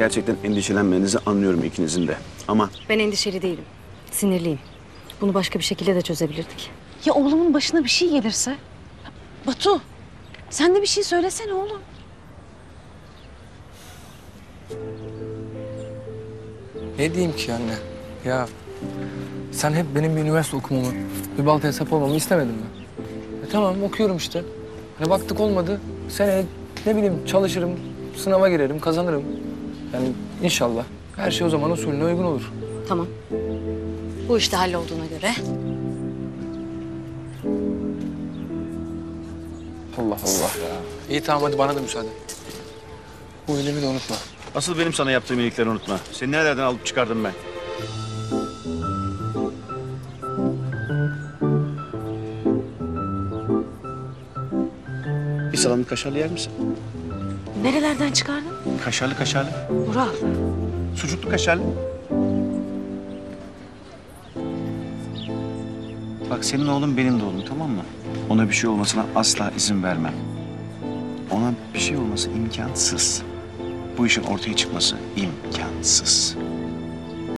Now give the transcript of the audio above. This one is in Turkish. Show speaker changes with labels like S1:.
S1: gerçekten endişelenmenizi anlıyorum ikinizin de. Ama
S2: Ben endişeli değilim. Sinirliyim. Bunu başka bir şekilde de çözebilirdik.
S3: Ya oğlumun başına bir şey gelirse? Batu, sen de bir şey söylesene oğlum.
S4: Ne diyeyim ki anne? Ya sen hep benim bir üniversite okumamı, bir baltaya sap olmamı istemedin mi? Tamam okuyorum işte. Hani baktık olmadı. Seneye ne bileyim çalışırım, sınava girerim, kazanırım. Yani inşallah her şey o zaman usulüne uygun olur.
S2: Tamam. Bu işte hallolduğuna göre.
S4: Allah Allah ya. İyi tamam hadi bana da müsaade. Bu iyiliğimi de unutma.
S1: asıl benim sana yaptığım iyilikleri unutma. Seni nerelerden alıp çıkardım ben? Bir salamlı kaşarlı yer misin?
S3: Nerelerden çıkardın?
S1: Kaşarlı kaşarlı.
S3: Vural.
S1: Sucuklu kaşarlı. Bak senin oğlun benim de oğlum, tamam mı? Ona bir şey olmasına asla izin vermem. Ona bir şey olması imkansız. Bu işin ortaya çıkması imkansız.